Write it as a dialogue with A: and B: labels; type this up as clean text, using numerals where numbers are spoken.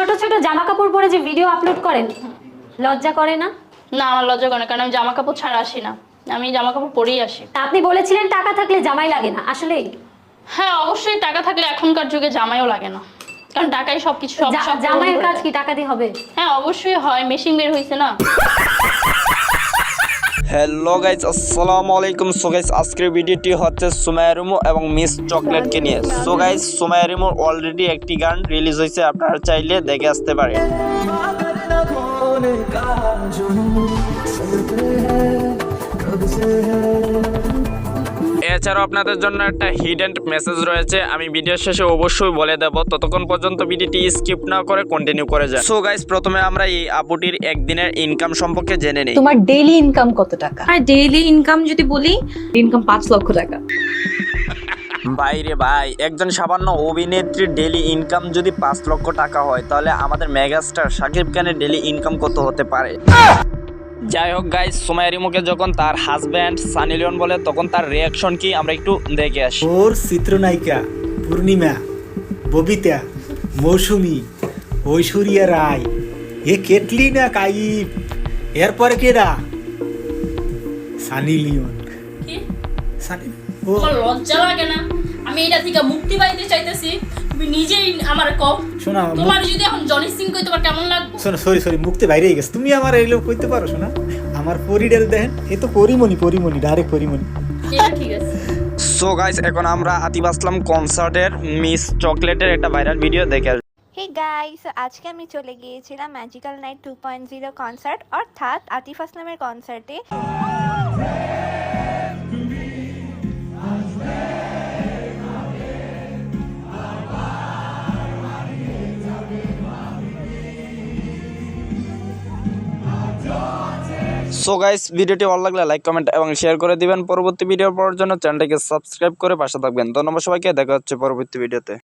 A: ছোট ছোট জামা কাপড় পরে যে ভিডিও আপলোড করেন, লজ্জা করে না?
B: না, আমার লজ্জা করে না, কারণ আমি জামা কাপড় ছাড়া আসি না, আমি জামা কাপড় পরেই আসি।
A: তা আপনি বলেছিলেন টাকা থাকলে জামাই লাগে না, আসলেই?
B: হ্যাঁ, অবশ্যই টাকা থাকলে এখনকার যুগে জামাইও লাগে না, কারণ টাকাই সবকিছু সব
A: জামাইয়ের কাজ কি টাকা দিয়ে হবে?
B: হ্যাঁ, অবশ্যই হয়, মেশিন বের হয়েছে না।
C: হ্যালো গাইস, আসসালামু আলাইকুম। সো গাইস, আজকের ভিডিওটি হচ্ছে সুমাইয়া রিমু এবং মিস চকলেটকে নিয়ে। সো গাইস, সুমাইয়া রিমুর অলরেডি একটি গান রিলিজ হয়েছে, আপনারা চাইলে দেখে আসতে পারেন। এছাড়াও আপনাদের জন্য একটা হিডেন মেসেজ রয়েছে, আমি ভিডিও শেষে অবশ্যই বলে দেব, ততক্ষণ পর্যন্ত ভিডিওটি স্কিপ না করে কন্টিনিউ করে যান। সো গাইস, প্রথমে আমরা এই আপুটির একদিনের ইনকাম সম্পর্কে জেনে নিই।
D: তোমার ডেইলি ইনকাম কত টাকা?
E: আর ডেইলি ইনকাম যদি বলি, ইনকাম 5 লক্ষ টাকা।
C: ভাইরে ভাই, একজন সামান্য অভিনেত্রীর ডেইলি ইনকাম যদি 5 লক্ষ টাকা হয়, তাহলে আমাদের মেগাস্টার শাকিব খানের ডেইলি ইনকাম কত হতে পারে? যাই হোক গাইস, সুমাইয়া রিমুকে যখন তার হাজব্যান্ড সানি লিওন বলে, তখন তার রিয়াকশন কি আমরা একটু দেখে আসি।
F: ওর চিত্রনায়িকা পূর্ণিমা, ববিতা, মৌসুমী, ঐশ্বরিয়া রায়, এ কেটলিনা কাইফ, এরপরে কেডা? সানি লিওন।
B: কি?
F: সানি ও
B: তোমার লজ্জা লাগে না? আমি এটা থেকে মুক্তি পাইতে চাইতেছি, তুমি নিজেই আমার কও।
F: শোনা,
B: তোমার যদি এখন জনি সিং কই, তোমার কেমন লাগবে?
F: শোনো, সরি মুক্তি বাইরে গেছে। তুমি আমার এগুলো কইতে পারো? শোনা, আমার পরিডাল দেখেন, এ তো পরিমণি ডাইরেক্ট পরিমণি।
B: এটা ঠিক আছে।
C: সো গাইস, এখন আমরা আতিফ আসলাম কনসার্টের মিস চকলেটের একটা ভাইরাল ভিডিও দেখে আসি।
G: হে গাইস, আজকে আমি চলে গিয়েছিলাম ম্যাজিক্যাল নাইট 2.0 কনসার্ট, অর্থাৎ আতিফ আসলামের কনসার্টে।
C: সো গাইস, ভিডিওটি ভালো লাগলে লাইক, কমেন্ট এবং শেয়ার করে দিবেন। পরবর্তী ভিডিও পাওয়ার জন্য চ্যানেলটিকে সাবস্ক্রাইব করে পাশে থাকবেন। ধন্যবাদ সবাইকে, দেখা হচ্ছে পরবর্তী ভিডিওতে।